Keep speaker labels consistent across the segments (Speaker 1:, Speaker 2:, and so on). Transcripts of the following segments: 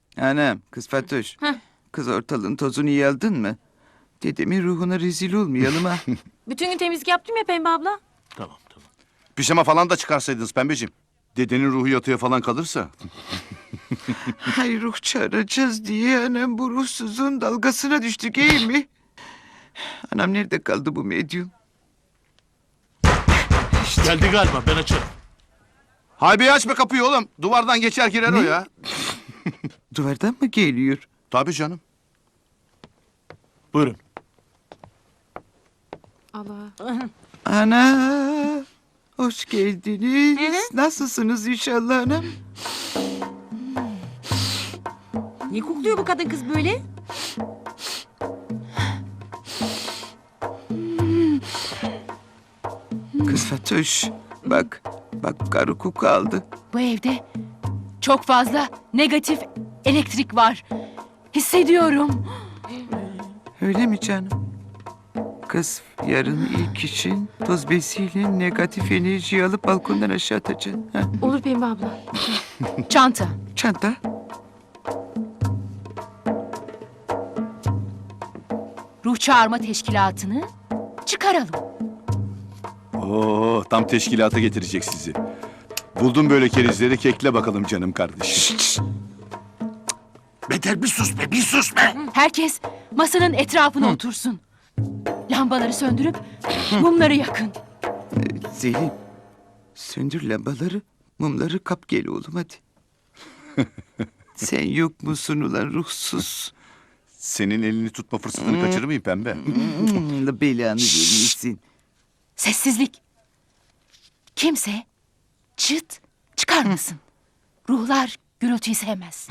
Speaker 1: Anam, kız Fatoş.
Speaker 2: Heh.
Speaker 1: Kız ortalığın tozunu iyi aldın mı? Dedemin ruhuna rezil olmayalım ha.
Speaker 2: Bütün gün temizlik yaptım ya Pembe abla.
Speaker 3: Tamam tamam.
Speaker 4: Pijama falan da çıkarsaydınız pembeciğim. Dedenin ruhu yatıya falan kalırsa.
Speaker 1: Hay ruh çağıracağız diye anam bu ruhsuzun dalgasına düştük iyi mi? Anam nerede kaldı bu medyum?
Speaker 3: Geldi galiba, ben açarım.
Speaker 4: Haybi açma kapıyı oğlum. Duvardan geçer girer o ya.
Speaker 1: Duvardan mı geliyor?
Speaker 4: Tabii canım.
Speaker 3: Buyurun.
Speaker 2: Allah.
Speaker 1: Ana, hoş geldiniz. Nasılsınız inşallah anam?
Speaker 2: Niye kokluyor bu kadın kız böyle?
Speaker 1: Kız Fatoş, bak karı koku aldı.
Speaker 5: Bu evde çok fazla negatif elektrik var. Hissediyorum.
Speaker 1: Öyle mi canım? Kız yarın ilk için toz besiyle negatif enerjiyi alıp balkondan aşağı atacaksın. Ha?
Speaker 2: Olur Pembe abla.
Speaker 5: Çanta.
Speaker 1: Çanta.
Speaker 5: Ruh çağırma teşkilatını çıkaralım.
Speaker 4: Oo, tam teşkilata getirecek sizi. Buldum böyle kerizleri, kekle bakalım canım kardeşim.
Speaker 3: Beter bir sus be, bir sus be.
Speaker 5: Herkes masanın etrafına otursun. Lambaları söndürüp mumları yakın.
Speaker 1: Zeynep, söndür lambaları, mumları kap gel oğlum hadi. Sen yok musun ulan ruhsuz?
Speaker 4: Senin elini tutma fırsatını kaçırır mıyım pembe?
Speaker 1: La belanı vermesin.
Speaker 5: Sessizlik. Kimse çıt çıkarmasın. Ruhlar gürültüyü sevmez.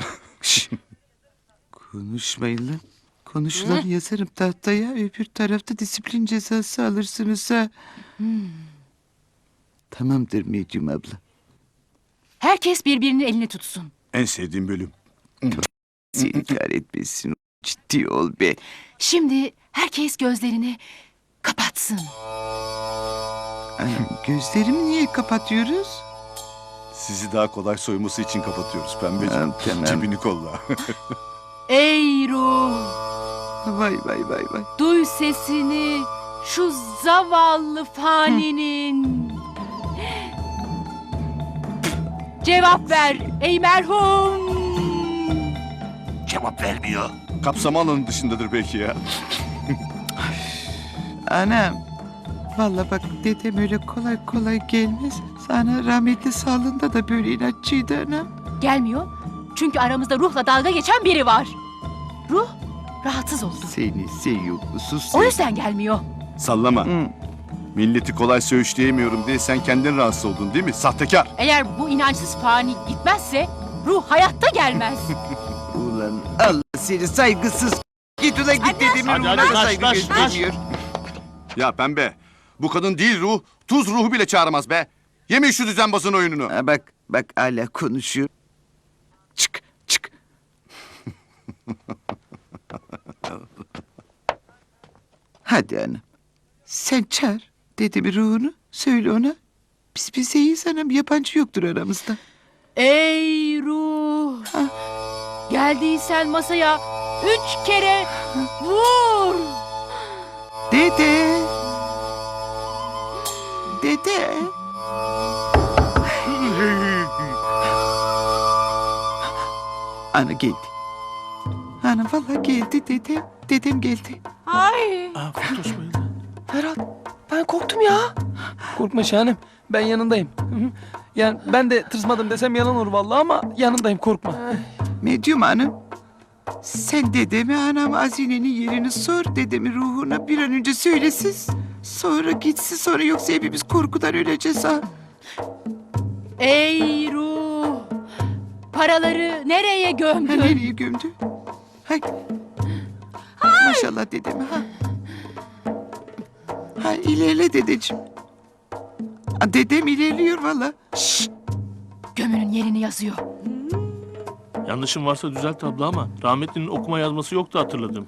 Speaker 1: Konuşmayın lan. Konuşulan yazarım tahtaya, öbür tarafta disiplin cezası alırsınız ha. Tamamdır Medyum abla.
Speaker 5: Herkes birbirinin elini tutsun.
Speaker 4: En sevdiğim bölüm.
Speaker 1: Seni kahretmesin. Ciddi ol be.
Speaker 5: Şimdi herkes gözlerini kapatsın.
Speaker 1: Anam, gözlerimi niye kapatıyoruz?
Speaker 4: Sizi daha kolay soyması için kapatıyoruz pembeciğim.
Speaker 1: Tamam.
Speaker 4: Cebini kolla.
Speaker 5: Ey ruh,
Speaker 1: Vay vay vay vay.
Speaker 5: duy sesini şu zavallı faninin. Cevap ver ey merhum.
Speaker 3: Cevap vermiyor.
Speaker 4: Kapsama alanı dışındadır belki ya.
Speaker 1: Anam. Vallahi bak dedem öyle kolay kolay gelmez. Sana rahmetli sağlığında da böyle inatçıydı anam.
Speaker 5: Gelmiyor çünkü aramızda ruhla dalga geçen biri var. Ruh rahatsız oldu.
Speaker 1: Seni seviyor musun
Speaker 5: O yüzden gelmiyor.
Speaker 4: Sallama.
Speaker 1: Hı.
Speaker 4: Milleti kolay söğüşleyemiyorum diye sen kendin rahatsız oldun değil mi? Sahtekar.
Speaker 5: Eğer bu inançsız fani gitmezse ruh hayatta gelmez.
Speaker 1: Ulan Allah seni saygısız. Git ulan git dedemin
Speaker 3: Hadi,
Speaker 1: ruhuna
Speaker 3: hadi,
Speaker 1: da saygı
Speaker 3: kaç, kaç.
Speaker 1: göstermiyor.
Speaker 4: Ya pembe. Bu kadın değil ruh. Tuz ruhu bile çağıramaz be. Yemin şu düzenbazın oyununu.
Speaker 1: Ha, bak hala konuşuyor. Çık çık. Hadi anam. Sen çağır dedemin ruhunu. Söyle ona. Biz bizeyiz anam. Yabancı yoktur aramızda.
Speaker 5: Ey ruh! Geldiysen masaya 3 kere vur!
Speaker 1: Dede. Dede. Ana geldi. Ana vallahi geldi dede. Dedem geldi.
Speaker 2: Ay.
Speaker 3: Aa, Fatoş bayıldı.
Speaker 6: Ferhat, ben korktum ya. Korkma Şahanem, ben yanındayım. Hı hı. Yani ben de tırsmadım desem yalan olur vallahi ama yanındayım, korkma.
Speaker 1: Medyum hanım. Sen dedeme anam hazinenin yerini sor. Dedemin ruhuna bir an önce söylesin. Sonra gitsin sonra yoksa hepimiz korkudan öleceğiz ha.
Speaker 5: Ey ruh! Paraları nereye
Speaker 1: Ha
Speaker 5: gömdün?
Speaker 1: nereye gömdü? Hay. Maşallah dedeme ha. Ha ilerle dedeciğim. Ha, dedem ilerliyor valla.
Speaker 5: Gömünün yerini yazıyor.
Speaker 3: Yanlışım varsa düzelt abla ama rahmetlinin okuma yazması yoktu hatırladım.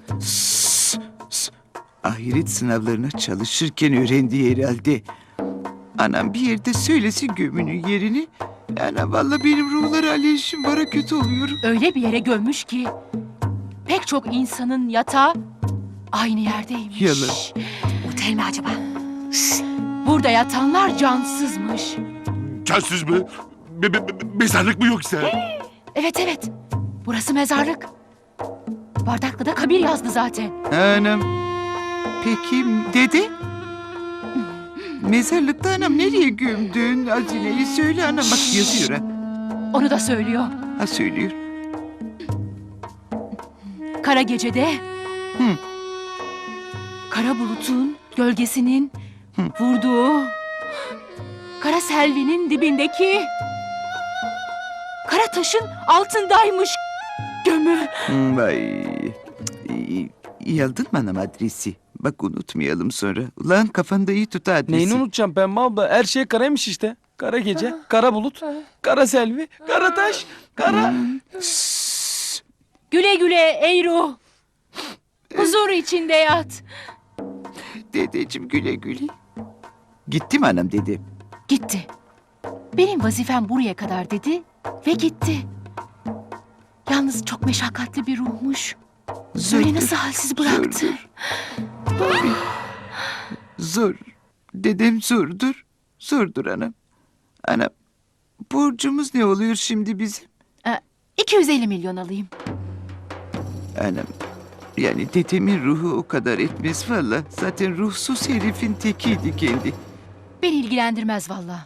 Speaker 1: Ahiret sınavlarına çalışırken öğrendiği herhalde. Anam bir yerde söylesin gömünün yerini. Yani vallahi benim ruhlara alerjim var, kötü oluyorum.
Speaker 5: Öyle bir yere gömmüş ki pek çok insanın yatağı aynı yerdeymiş.
Speaker 1: Yalan.
Speaker 2: Otel mi acaba?
Speaker 5: Burada yatanlar cansızmış.
Speaker 7: Cansız mı? Mezarlık mı yoksa?
Speaker 5: Evet evet. Burası mezarlık. Bardakta da kabir yazdı zaten.
Speaker 1: Anam. Peki dede? Mezarlıkta anam nereye gömdün hazineyi? Söyle anam, bak yazıyor ha.
Speaker 5: Onu da söylüyor.
Speaker 1: Ha söylüyor.
Speaker 5: Kara gecede
Speaker 1: Hı.
Speaker 5: kara bulutun gölgesinin vurduğu kara selvinin dibindeki kara taşın altındaymış gömü.
Speaker 1: Vay. İyi aldın mı anam adresi? Bak unutmayalım sonra. Ulan kafanda iyi tut adresi.
Speaker 6: Neyini unutacağım Pembe abla? Her şey karaymış işte. Kara gece, kara bulut, kara selvi, kara taş, kara...
Speaker 5: Güle güle ey ruh. Huzur içinde yat.
Speaker 1: Dedeciğim güle güle. Gitti mi anam dedi?
Speaker 5: Gitti. Benim vazifem buraya kadar dedi ve gitti. Yalnız çok meşakkatli bir ruhmuş. Böyle nasıl halsiz bıraktı?
Speaker 1: Zordur. Tabii. Zor. Dedem zordur. Zordur anam. Anam, borcumuz ne oluyor şimdi bizim?
Speaker 5: 250 milyon alayım.
Speaker 1: Anam, yani dedemin ruhu o kadar etmez valla. Zaten ruhsuz herifin tekiydi kendi.
Speaker 5: Beni ilgilendirmez valla.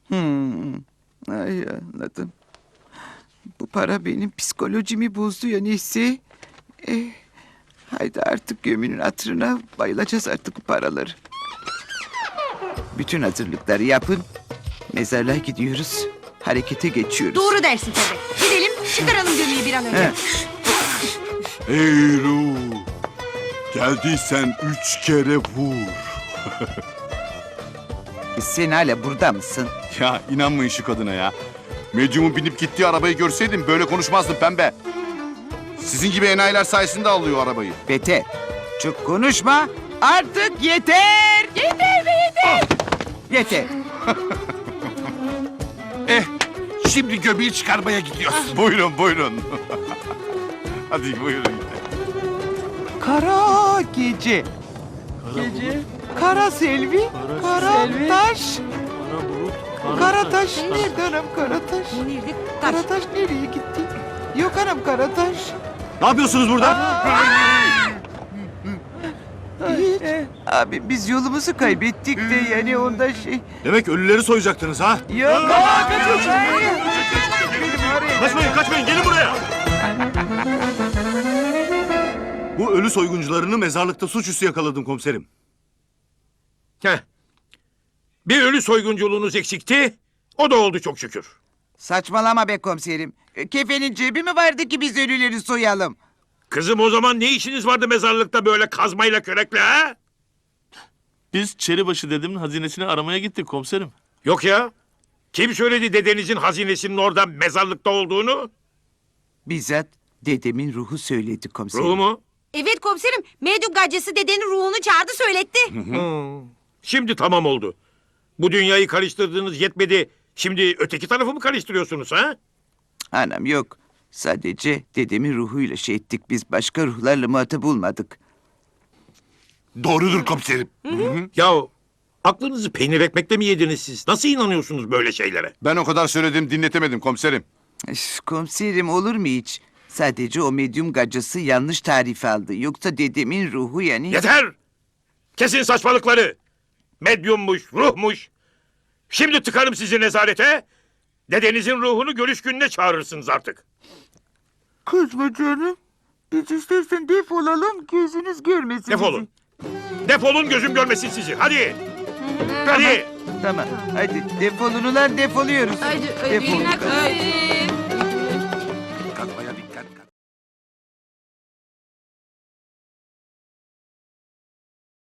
Speaker 1: Ay anladım. Bu para benim psikolojimi bozdu ya neyse. Haydi artık gömünün hatırına bayılacağız artık bu paraları. Bütün hazırlıkları yapın. Mezarlığa gidiyoruz. Harekete geçiyoruz.
Speaker 2: Doğru dersin tabii. Gidelim çıkaralım gömüyü bir an önce.
Speaker 1: He.
Speaker 7: Ey ruh! Geldiysen 3 kere vur.
Speaker 1: Sen hala burada mısın?
Speaker 4: Ya inanmayın şu kadına ya. Medyumun binip gittiği arabayı görseydim böyle konuşmazdım Pembe. Sizin gibi enayiler sayesinde alıyor arabayı.
Speaker 1: Beter. Çok konuşma. Artık yeter. Yeter be yeter. Yeter.
Speaker 7: Şimdi göbeği çıkarmaya gidiyoruz.
Speaker 4: Buyurun buyurun. Hadi buyurun.
Speaker 1: Kara gece.
Speaker 6: Gece,
Speaker 1: Kara selvi. Kara
Speaker 6: selvi.
Speaker 1: taş.
Speaker 3: Kara bulut,
Speaker 1: Kara taş nerede anam kara taş?
Speaker 2: Nerede? Taş.
Speaker 1: Kara taş nereye gitti? Yok anam kara taş.
Speaker 7: Ne yapıyorsunuz burada?
Speaker 1: Hiç. Abi biz yolumuzu kaybettik de yani ondan şey.
Speaker 7: Demek ölüleri soyacaktınız ha?
Speaker 1: Yok ama kaçın.
Speaker 7: Kaçmayın kaçmayın gelin buraya. Bu ölü soyguncularını mezarlıkta suçüstü yakaladım komiserim.
Speaker 8: Heh. Bir ölü soygunculuğunuz eksikti. O da oldu çok şükür.
Speaker 1: Saçmalama be komiserim. Kefenin cebi mi vardı ki biz ölüleri soyalım?
Speaker 8: Kızım o zaman ne işiniz vardı mezarlıkta böyle kazmayla kürekle ha?
Speaker 3: Biz Çeribaşı dedemin hazinesini aramaya gittik komiserim.
Speaker 8: Yok ya. Kim söyledi dedenizin hazinesinin orada mezarlıkta olduğunu?
Speaker 1: Bizzat dedemin ruhu söyledi komiserim.
Speaker 8: Ruhu mu?
Speaker 2: Evet komiserim. Medyum gaccesi dedenin ruhunu çağırdı söyletti.
Speaker 8: Şimdi tamam oldu. Bu dünyayı karıştırdığınız yetmedi. Şimdi öteki tarafı mı karıştırıyorsunuz ha?
Speaker 1: Anam yok. Sadece dedemin ruhuyla şey ettik. Biz başka ruhlarla muhatap olmadık.
Speaker 7: Doğrudur komiserim.
Speaker 8: Yahu aklınızı peynir ekmekle mi yediniz siz? Nasıl inanıyorsunuz böyle şeylere?
Speaker 4: Ben o kadar söyledim dinletemedim komiserim.
Speaker 1: Üf, komiserim olur mu hiç? Sadece o medyum gacısı yanlış tarif aldı. Yoksa dedemin ruhu yani...
Speaker 8: Yeter! Kesin saçmalıkları. Medyummuş, ruhmuş. Şimdi tıkarım sizi nezarete. Dedenizin ruhunu görüş gününe çağırırsınız artık.
Speaker 1: Kızma canım. Biz istersen defolalım gözünüz görmesin.
Speaker 8: Defolun. Defolun gözüm görmesin sizi. Hadi. Hadi.
Speaker 1: Tamam hadi defolun ulan defoluyoruz.
Speaker 2: Haydi,
Speaker 1: Defolun.
Speaker 2: haydi.